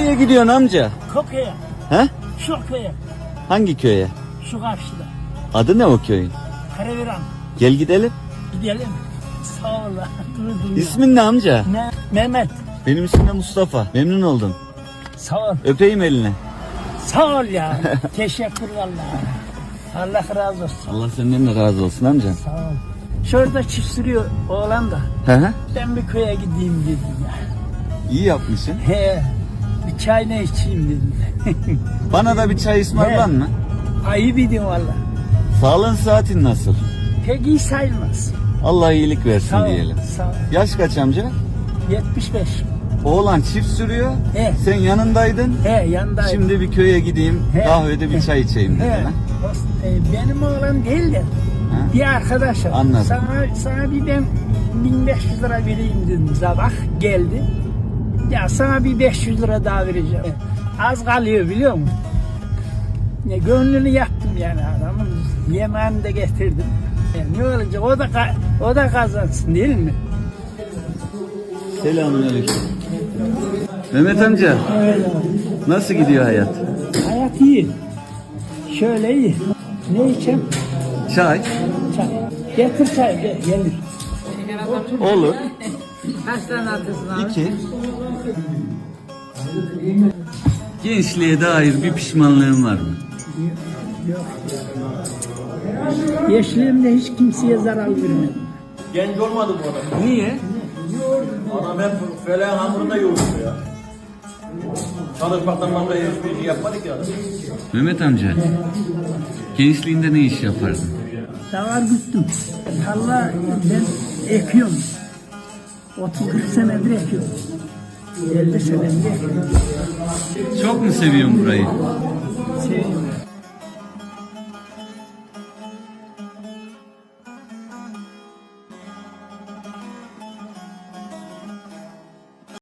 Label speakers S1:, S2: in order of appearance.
S1: Nereye gidiyorsun amca?
S2: Köye.
S1: He?
S2: Şu köye.
S1: Hangi köye?
S2: Şu karşıda.
S1: Adı ne o köyün?
S2: Karaviran.
S1: Gel gidelim.
S2: Gidelim. Sağ ol.
S1: İsmin ne amca?
S2: Ne? Mehmet.
S1: Benim ismim de Mustafa. Memnun oldum.
S2: Sağ ol.
S1: Öpeyim eline.
S2: Sağ ol ya. Teşekkür vallahi. Allah razı olsun.
S1: Allah senden de razı olsun amca.
S2: Sağ ol. Şurada çift sürüyor oğlan da.
S1: Hı hı.
S2: Ben bir köye gideyim dedim ya.
S1: İyi yapmışsın.
S2: He. Bir çay ne içeyim dedim.
S1: Bana da bir çay ısmarlan mı?
S2: Ayıp edin valla.
S1: Sağlığın saatin nasıl?
S2: Pek iyi sayılmaz.
S1: Allah iyilik versin
S2: Sağ ol.
S1: diyelim.
S2: Sağ ol.
S1: Yaş kaç amca?
S2: 75.
S1: Oğlan çift sürüyor.
S2: He.
S1: Sen yanındaydın.
S2: He yanındayım.
S1: Şimdi bir köye gideyim.
S2: He.
S1: Kahvede bir çay içeyim dedin
S2: He.
S1: ha?
S2: Benim oğlan değil de bir arkadaşım.
S1: Anladım.
S2: Sana bir ben 1500 lira vereyim dedim. Sabah geldi. Ya sana bir 500 lira daha vereceğim. Az kalıyor biliyor musun? Ya, gönlünü yaptım yani adamın. Yemeğini de getirdim. Ne olacak? O da kazansın değil mi?
S1: Selamünaleyküm. Mehmet amca,
S2: Evet abi.
S1: nasıl gidiyor hayat?
S2: Hayat iyi. Şöyle iyi. Ne içeyim?
S1: Çay.
S2: Çay. Getir çay gelir.
S1: Olur.
S3: Kaç tane atıyorsun abi?
S1: 2. Gençliğe dair bir pişmanlığın var mı?
S2: Gençliğimde hiç kimseye zarar vermedim.
S4: Genç olmadı bu adam.
S1: Niye?
S4: Adam hep feleğin hamurunda yoğurdu ya. Çalışmaktan başka hiçbir şey yapmadık ya.
S1: Mehmet amca, gençliğinde ne iş yapardın?
S2: Davar güttüm. Tarla ben ekiyorum. 30-40 senedir ekiyorum. 50 senedir ekiyorum.
S1: Çok mu seviyorsun burayı?
S2: Seviyorum.